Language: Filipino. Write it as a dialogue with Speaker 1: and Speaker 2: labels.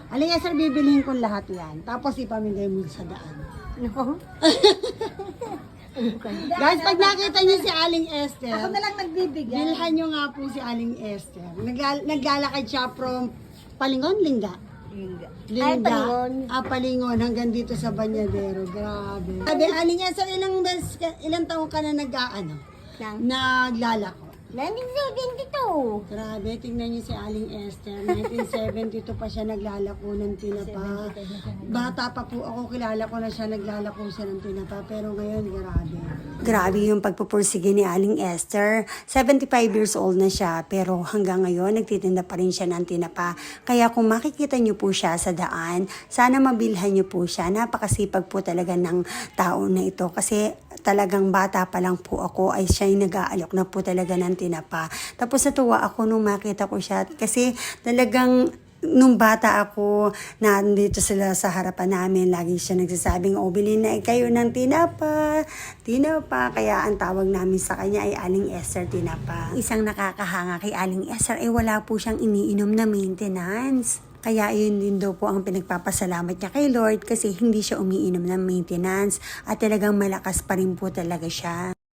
Speaker 1: Aling Esther, bibilihin ko lahat yan. Tapos ipamigay mo sa daan.
Speaker 2: Nako.
Speaker 1: Guys, pag nakita niyo si Aling Esther,
Speaker 2: Ako na lang nagbibigay.
Speaker 1: bilhan niyo nga po si Aling Esther. Naglalakad siya from Palingon, Lingga.
Speaker 2: Ay, Palingon.
Speaker 1: Palingon, hanggang dito sa Banyadero. Grabe. Sabi, Aling Esther, ilang taon ka na naglalako?
Speaker 2: 1972.
Speaker 1: Grabe, tingnan niyo si Aling Esther. 1972 pa siya naglalako ng tinapa. Bata pa po ako, kilala ko na siya naglalako siya ng tinapa. Pero ngayon, grabe. Grabe yung pagpupursige ni Aling Esther. 75 years old na siya, pero hanggang ngayon, nagtitinda pa rin siya ng tinapa. Kaya kung makikita niyo po siya sa daan, sana mabilhan niyo po siya. Napakasipag po talaga ng tao na ito. Kasi talagang bata pa lang po ako, ay siya yung nag-aalok na po talaga ng tinapa. Tapos natuwa ako nung makita ko siya kasi talagang nung bata ako, nandito sila sa harapan namin, lagi siya nagsasabing, bilhin na kayo ng tinapa. Kaya ang tawag namin sa kanya ay Aling Esther Tinapa. Isang nakakahanga kay Aling Esther ay wala po siyang iniinom na maintenance. Kaya yun din daw po ang pinagpapasalamat niya kay Lord kasi hindi siya umiinom ng maintenance at talagang malakas pa rin po talaga siya.